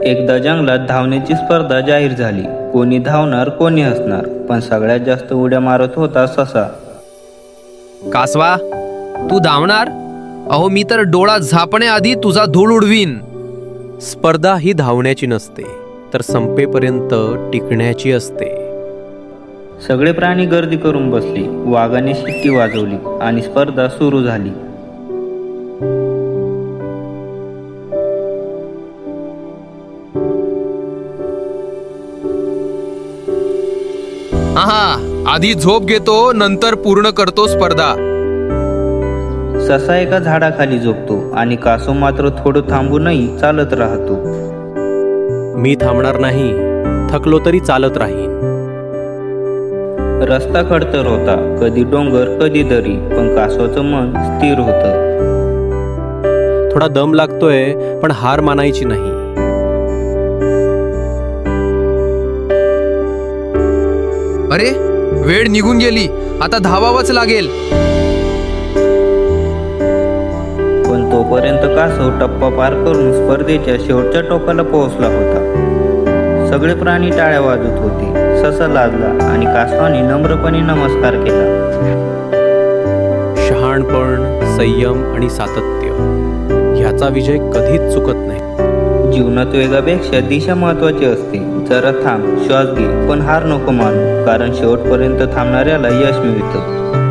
एकदा जंगलात धावण्याची स्पर्धा जाहीर झाली. कोणी धावणार, कोणी हसणार, पण सगळ्यात जास्त उड्या मारत होता ससा. कासवा, तू धावणार? अहो, मी तर डोळा झापण्याआधी तुझा धूळ उडवीन. स्पर्धा ही धावण्याची नसते, तर संपेपर्यंत टिकण्याची असते. सगळे प्राणी गर्दी करून बसले. वाघाने शिट्टी वाजवली आणि स्पर्धा सुरू झाली. आहा, आधी झोप घेतो, नंतर पूर्ण करतो स्पर्धा. ससा एका झाडाखाली झोपतो आणि कासव मात्र थोडं थांबूनही चालत राहतो. मी थांबणार नाही, थकलो तरी चालत राहीन. रस्ता खडतर होता, कधी डोंगर, कधी दरी, पण कासवाचं मन स्थिर होतं. थोडा दम लागतोय, पण हार मानायची नाही. अरे, वेळ निघून गेली, आता धावावंच लागेल. पण तोपर्यंत कासव टप्पा पार करून स्पर्धेच्या शेवटच्या टोकाला पोहोचला होता. सगळे प्राणी टाळ्या वाजत होते. ससा लाजला आणि कासवाने नम्रपणे नमस्कार केला. शहाणपण, संयम आणि सातत्य ह्याचा विजय कधीच चुकत नाही. जीवनात वेगापेक्षा दिशा महत्वाची असते. जरा थांब, श्वास घे, पण हार नको मानू, कारण शेवटपर्यंत थांबणाऱ्याला यश मिळतं.